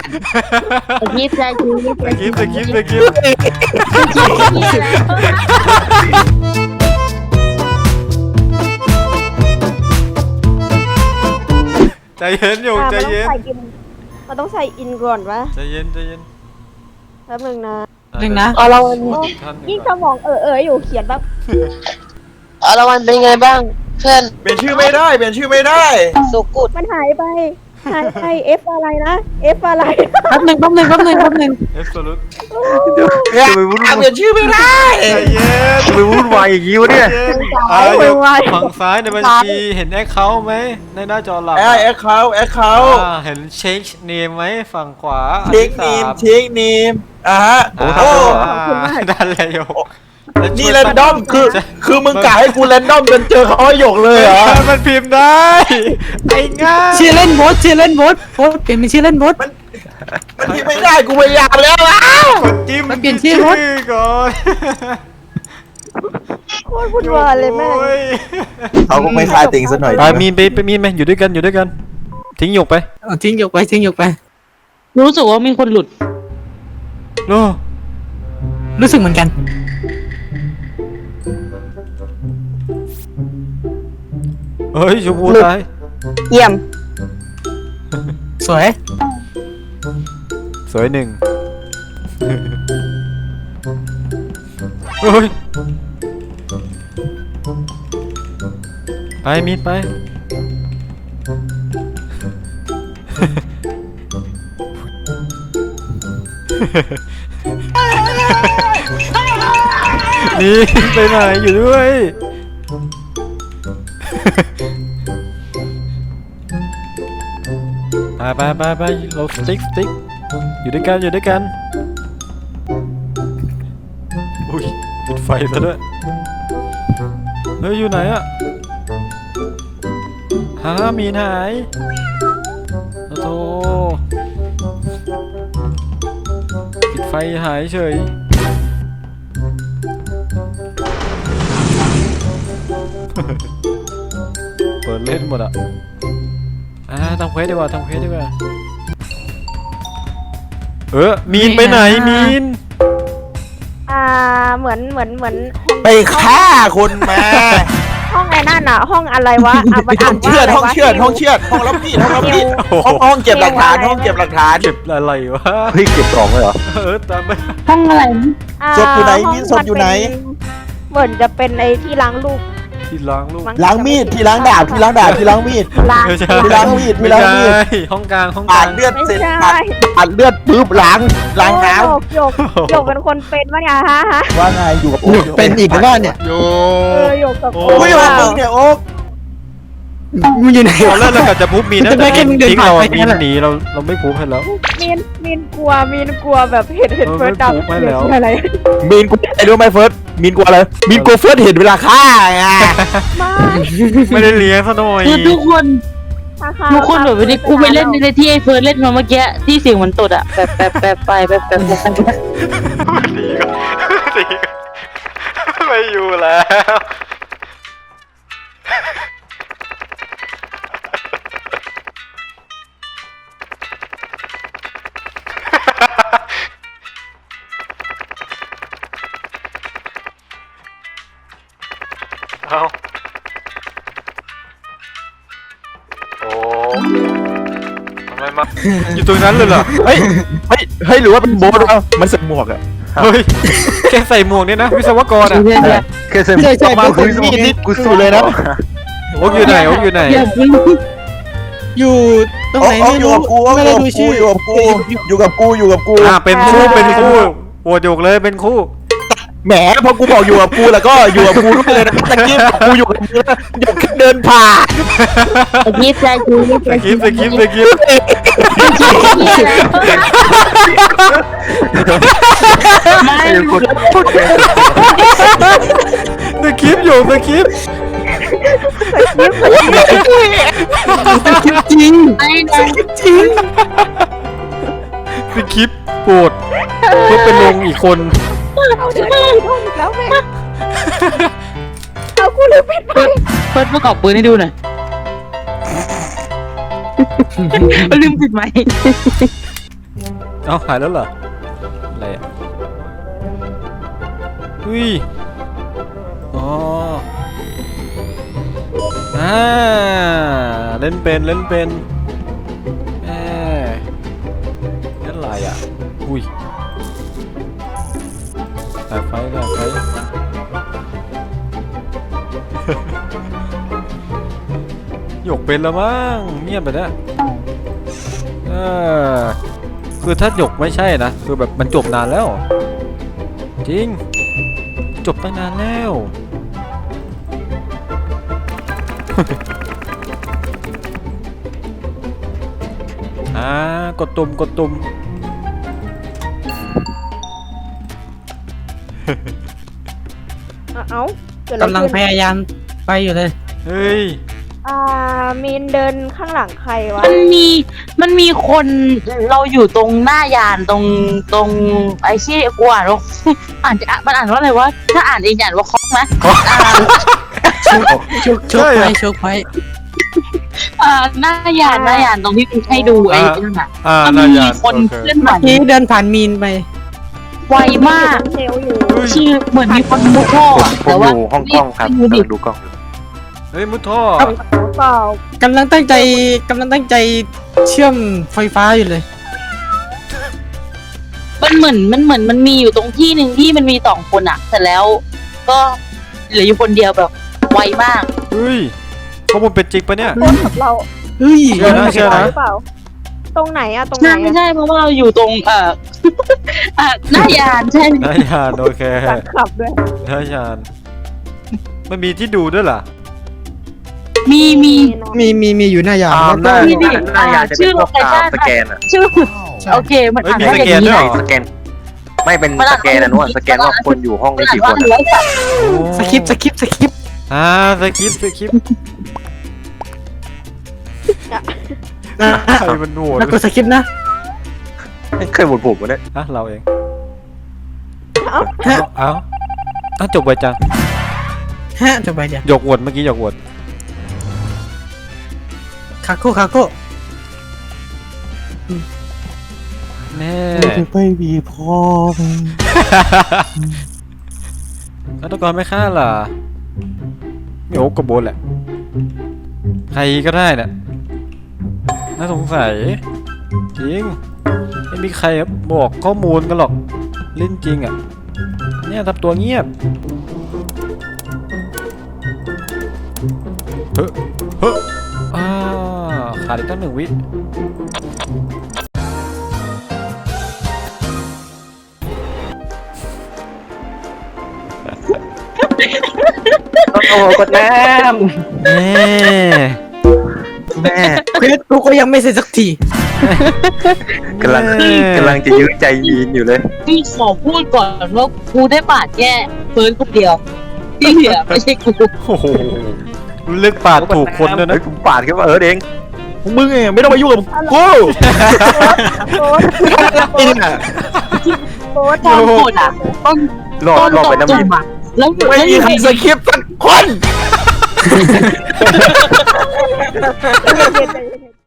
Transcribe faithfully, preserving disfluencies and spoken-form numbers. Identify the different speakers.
Speaker 1: สกิปสกิป
Speaker 2: สกิปสกิปสกิปใจเย็นอยู่ใจเย็น
Speaker 3: มันต้องใส่อินก่อนวะ
Speaker 2: ใจเย็นใจเย็น
Speaker 3: แป๊บนึงนะ
Speaker 4: หนึ่งนะ
Speaker 1: เอาละวัน
Speaker 3: ยิ่งสมองเออเอออยู่เขียนแบบ
Speaker 1: เอาละวันเป็นไงบ้างเพื่อน
Speaker 5: เปลี่ยนชื่อไม่ได้เปลี่ยนชื่อไม่ได้
Speaker 1: สุกุด
Speaker 3: มันหายไปหายไปเอฟอะไรนะเอฟอะไร
Speaker 4: แป๊บหนึ่งแป๊บหนึ่งแป๊บหนึ่งแป๊บหนึ่ง
Speaker 2: เอฟโซลูท
Speaker 5: จะไปวุ่นเปลี่ยนชื่อไม่ได้
Speaker 2: ใจเย็น
Speaker 5: จะไปวุ่นวายอย่างนี้วะเนี่ย
Speaker 2: อ่าอยู่ฝั่งซ้ายในบัญชีเห็นแอคเคาท์ไหมในหน้าจอหลัก
Speaker 5: แอคแอคเคาท์แอคเคาท์
Speaker 2: อ่าเห็นเช็คเนมไหมฝั่งขวา
Speaker 5: เช็คนีมเช็คนีมอ่ะฮะ
Speaker 2: โอ้
Speaker 5: โอ้
Speaker 2: ดันเลยโย
Speaker 5: นี่แรนดอมคือคือมึงกะให้กูแรนดอมจนเจอเขาให้หยกเลยเหรอ
Speaker 2: มันพิมพ์ได้ไอ้ง่าย
Speaker 4: ชื่อเล่นโบสชื่อเล่นโบสโบสเปลี่ยนเป็นชื่อเล่นโบส
Speaker 5: มันที่ไม่ได้กูพยายามแล้วอ่ะ
Speaker 2: กดจิ้ม
Speaker 4: มันเปลี่ยนชื่อรถ
Speaker 2: ก่อน
Speaker 3: โคตรวุ่นวายเลยแม่
Speaker 2: โอ้ย
Speaker 5: เขาก็ไม่คลายติงซะหน่อย
Speaker 2: ไปมีนไปไปมีนไหมอยู่ด้วยกันอยู่ด้วยกัน ทิ้งหยกไป
Speaker 4: เอาทิ้งหยกไปทิ้งหยกไป
Speaker 1: รู้สึกว่ามีคนหลุด
Speaker 2: โน่
Speaker 4: รู้สึกเหมือนกัน
Speaker 2: เฮ้ยชมพูตาย
Speaker 1: เยี่ยม
Speaker 4: สวย
Speaker 2: สวยหนึ่งเฮ้ยไปมีนไปนี่ไปไหนอยู่ด้วยไปไปไปไปเราสติ๊กสติ๊กอยู่ด้วยกันอยู่ด้วยกันอุ้ยปิดไฟซะด้วยเฮ้ยอยู่ไหนอะหามีนหายโอ้โธ่ปิดไฟหายเฉยเปิดเล่นหมดอ่ะอ่าทำเควสดีกว่าทำเควสดีกว่าเออมีนไปไหนมีน
Speaker 3: อ่าเหมือนเหมือนเหมือน
Speaker 5: ไปฆ่าคนมา
Speaker 3: ห้องไอ้นั่นอ่ะ ห้องอะไรวะอ่ะมัน
Speaker 5: ห้
Speaker 3: อ่า
Speaker 5: อน ง
Speaker 3: ว่า
Speaker 5: เชือด
Speaker 3: อะไร
Speaker 5: ห้อง
Speaker 3: วะ
Speaker 5: เชือดห้องเชือดห้องรับมีดห้องรับมีดห้องห้องเก็บหลักฐานห้องเก็บหลักฐาน
Speaker 2: เก็บอะไรวะ
Speaker 5: เฮ้ยเก็บของเลยเหรอ
Speaker 2: เออตามไป
Speaker 1: ห้องอะไร
Speaker 3: อ่า
Speaker 5: ศพอยู่ไหน
Speaker 3: ห้ง
Speaker 5: มีศพอยู่ไหน
Speaker 3: เหมือนจะเป็นไอ้ที่ล้างลูก
Speaker 2: ที่ล้างลูก
Speaker 3: มั้
Speaker 5: ล้างมีดที่ล้างดาบที่ล้างดาบที่ล้างมีด
Speaker 3: ล้าง
Speaker 2: ไม่ใช่
Speaker 5: ที่ล้างมีดที่
Speaker 2: ไม่
Speaker 5: ล้าง
Speaker 2: ใช่
Speaker 5: มีด
Speaker 2: ห้องกลางห้องก
Speaker 5: ปา
Speaker 2: ลา
Speaker 5: ด
Speaker 2: ง
Speaker 5: เลือด
Speaker 3: ไม่
Speaker 5: เสร็จ
Speaker 3: ใช่
Speaker 5: ปาดปาดเลือดปุ๊บล้างล้างน้
Speaker 3: โยกโยกโยกเป็นคนเป็นวะเนี่ยฮะฮะ
Speaker 5: ำว่าไงอยู่กับ
Speaker 4: หยุดเป็นอีกหรือเปล่าเนี่ย
Speaker 2: โย
Speaker 3: เออโยกกับ
Speaker 2: โอ้
Speaker 3: โอ้
Speaker 5: กูอยู่กับมึงเนี่ยโอ๊ก
Speaker 4: มึงอยู่ไหน
Speaker 2: ตอนแรกเรากะจะพุบมีนนะ
Speaker 4: จะได้แค่มึงเดิน
Speaker 2: ทิ้งเรา
Speaker 4: ผ่านไป
Speaker 2: มี
Speaker 4: แค่
Speaker 2: น
Speaker 4: นั้นแหละ
Speaker 2: หนีเราเราไม่พุบให้แล้ว
Speaker 3: มีนมีนกลัวมีนกลัวแบบเห็นเห็น
Speaker 2: เออ
Speaker 3: เฟิร์ส
Speaker 2: ไม่
Speaker 3: ดับ
Speaker 2: ถูกไม่แล้ว
Speaker 3: อะไร
Speaker 5: มีนกูไอ้รู้ไหมเฟิร์สมีนกูอะไรมีนกูเฟิร์สเห็นเวลาฆ่าไง
Speaker 3: ไม่
Speaker 2: ไม่ได้เลี้ยงซะหน่อย
Speaker 1: คือทุกคน
Speaker 3: ค่ะค่ะ
Speaker 1: ทุกคนแบบวันนี้กูไปเล่นในที่ไอ้เฟิร์นเล่นมาเมื่อกี้ที่เสียงมันตดอะแบบแบบแบบไปแบบแบบแบบแบบ
Speaker 2: หนีก็หนีก็ไม่อยู่แล้ว เอาโอ้ทำไมมา อยู่ตรงนั้นเลยเหรอ
Speaker 5: เฮ้ยเฮ้ยเฮ้ยหรือว่าเป็นโบ๊ทวะมันใส่หมวกอะ
Speaker 2: เฮ้ย แค่ใส่หมวกเนี่ยนะ วิศวกรอ่ะ
Speaker 1: เรื่อย
Speaker 5: แค่ใส่หมวก
Speaker 4: ใช่ใช่
Speaker 5: มา
Speaker 4: เป็น
Speaker 5: คือ
Speaker 4: มี
Speaker 5: มี
Speaker 4: ด
Speaker 5: ด
Speaker 4: นี่
Speaker 5: นี่กูสู้เลยนะ
Speaker 2: โอ๊กอยู่ไหนโอ๊กอยู่ไหน
Speaker 1: ๆอย่าเพิ่ง
Speaker 4: อยู่ตรง
Speaker 5: โอ๊
Speaker 4: ไหน
Speaker 5: ก
Speaker 4: ไม่
Speaker 5: อยู่
Speaker 4: รู้
Speaker 5: กับกูโอ๊ก
Speaker 4: ไม่
Speaker 5: อ
Speaker 4: ได้
Speaker 5: ยู่
Speaker 4: ดู
Speaker 5: กับกู
Speaker 4: ชื่อ
Speaker 5: อยู่กับกูอยู่กับกูอยู่กับกู
Speaker 2: อ่าเป็นคู่เป็นคู่โหวตโยกเลยเป็นคู่
Speaker 5: แหมพอกูบอกอยู่กับกูแล้วก็อยู่กับกูด้วยเลยนะตะกี้บอกกูอยู่กับกูแล้วหยกแค่เดินผ่าน
Speaker 1: สกิปสกิป
Speaker 2: สกิปสกิปสกิปสกิปอยู่สกิป
Speaker 4: คลิปจริง
Speaker 1: ไอ้นะ
Speaker 4: จริง
Speaker 2: สกิปโกรธเพื่อเป็นลงอีกคน
Speaker 3: เอาเดี๋ยวห้องอีกแล้วแม่เอากูลืมปิดไฟ
Speaker 1: เฟิร์นประกอบปืนให้ดูหน่อยลืมปิดไหม
Speaker 2: เอ้าหายแล้วเหรออะไรอ่ะอุ้ยอ๋ออ่าเล่นเป็นเล่นเป็นแหมนั่นอะไรอ่ะอุ้ยสายไฟสายไฟ หยกเป็นแล้วมั้งเงียบไปแล้วเออคือถ้าหยกไม่ใช่นะคือแบบมันจบนานแล้วจริงจบตั้งนานแล้ว อ่ากดตุ่มกดตุ่ม
Speaker 3: อ่ะเอ้าเกิดอะไร
Speaker 4: กำลังพ
Speaker 3: ขึ้น
Speaker 4: ยายามไปอยู่เลย
Speaker 2: เฮ้ย
Speaker 3: อ่ามีนเดินข้างหลังใครวะ
Speaker 1: มันมีมันมีคนเราอยู่ตรงหน้ายานตรงตรงไอ้ที่กูอ่านว่า อ่านจะมันอ่านว่าอะไรวะถ้าอ่านเองอ่านว่าคอกไหมอ่า
Speaker 4: ชกชกไปชกไป
Speaker 1: อ่าหน้ายานหน้ายานตรงที่กูให้ดูไอ้นั่นน่ะ
Speaker 2: อ่า
Speaker 1: มัน
Speaker 2: นาย
Speaker 1: มี
Speaker 2: ยาน
Speaker 1: คน
Speaker 2: โอเค
Speaker 1: เคลื่อนไหว
Speaker 4: นี่เดินผ่านมีนไป
Speaker 1: ไวมาก
Speaker 3: เทลอยู่
Speaker 1: ชื่อเหมือนมีคนมุดท่อ
Speaker 6: ผม
Speaker 1: อะ
Speaker 6: ผ
Speaker 1: แต่
Speaker 6: ม
Speaker 1: ว่า
Speaker 6: อยู่ห้องกล้องครับ
Speaker 1: ไม่รู้ดิ
Speaker 6: กำลังดูกล้องอยู่
Speaker 2: เฮ้ยมุดท่อ
Speaker 4: ครับ
Speaker 3: เปล่าก
Speaker 4: ำลังตั้งใจกำลังตั้งใจเชื่อมไฟฟ้าอยู่เลย
Speaker 1: มันเหมือนมันเหมือนมันมีอยู่ตรงที่หนึ่งที่มันมีสองคนอะแต่แล้วก็เหลืออยู่คนเดียวแบบไวมาก
Speaker 2: เฮ้ยข้อมูลเป็นจริงปะเนี่ย
Speaker 3: คนกับเรา
Speaker 4: เฮ้ย
Speaker 2: เชื่อนะเชื่อนะ
Speaker 3: หรือเปล่า ตรงไหนอะตรงไหน
Speaker 1: ใช่ไม่
Speaker 3: อะ
Speaker 1: ใช่เพราะว่าเราอยู่ตรงเอ่อ อ่ะหน้ายานใช่
Speaker 2: นายยานโอเค
Speaker 3: หลังขับด้วย
Speaker 2: นายยานมันมีที่ดูด้วยเหรอ
Speaker 1: มีมี
Speaker 4: มีมีมีอยู่หน้ายาน
Speaker 6: อ่า
Speaker 4: แล้ว
Speaker 6: ห
Speaker 4: ก็
Speaker 6: น้า
Speaker 1: มีดิ
Speaker 6: หน้ายานจะ
Speaker 1: ชื่
Speaker 6: เป็น
Speaker 1: อ
Speaker 6: พวก
Speaker 1: location
Speaker 6: อ่าสแกนอะ
Speaker 1: ชื่อโอเคมันอ่านว่าอย่างนี้
Speaker 2: เฮ้ยมีสแกนด้วยเหร
Speaker 1: นะ
Speaker 2: อ
Speaker 6: สแกน ไม่เป็น
Speaker 1: มัน
Speaker 6: ส
Speaker 1: อ่าน
Speaker 6: แกนนะนวลสแกนว่าคนอยู่ห้อง
Speaker 1: มัน
Speaker 6: นี้
Speaker 1: อ่าน
Speaker 6: กี่ค
Speaker 1: ว่าน ร้อยสัตว์
Speaker 4: สคริปต์สคริปต์สคริปต์
Speaker 2: อ่าสคริปต์สคริปต์
Speaker 4: นะ
Speaker 2: ใครมันโหวต
Speaker 4: แล้วกดสคริปต์นะ
Speaker 6: ไม่เคยหมดผมวะเนี่ย
Speaker 2: อ่ะเราเอง
Speaker 3: เอ้า
Speaker 2: เอ้าเอ้าอ่ะจบไปจัง
Speaker 4: ฮะจะไปเดี๋ยว
Speaker 2: หยกโหวตเมื่อกี้หยกโหวต
Speaker 4: คาโก้คาโก้
Speaker 2: แน่
Speaker 4: ไปบีพอ
Speaker 2: ฆาตกรไม่ฆ่าล่ะโยกกระโบนแหละ ใครก็ได้น่ะน่าสงสัยจริงไม่มีใครบอกข้อมูลกันหรอกเล่นจริงอ่ะเนี่ยทำตัวเงียบเฮ้อเฮ้ออ่าขาดอีกตั้งหนึ่งวิ
Speaker 6: โอ้โหกดน้
Speaker 2: แน่
Speaker 6: ำแม่
Speaker 4: เควสกูก็ยังไม่เสร็จสักที
Speaker 6: กำลังกำลังจะยื้อใจยีนอยู่เลย
Speaker 1: พี่ขอพูดก่อนว่ากูได้ปาดแค่เฟิร์นคนเดียวที่เหลือไม่ใช่กู
Speaker 2: โอ้โหเลือกปาดถูกคนด้วยนะ
Speaker 6: เฮ้ยผมปาดขึ้นมาเออเองมึงเองไม่ต้องมายุ่งกับกู
Speaker 3: โค้ด
Speaker 6: ไอ้เนี่ย
Speaker 3: โค้ด
Speaker 1: ตอนกดอ่ะต้น
Speaker 6: รอ
Speaker 1: ต้น
Speaker 6: รอ
Speaker 1: ต
Speaker 6: ไป
Speaker 1: ก
Speaker 6: น้ำ
Speaker 1: จุ่
Speaker 6: มิ
Speaker 1: ม
Speaker 6: น
Speaker 1: อ่ะแล้ว
Speaker 6: ไม่มี
Speaker 1: แล้ว
Speaker 6: ใครสคริปต์สักคน
Speaker 3: ใจเย็นใจเย็น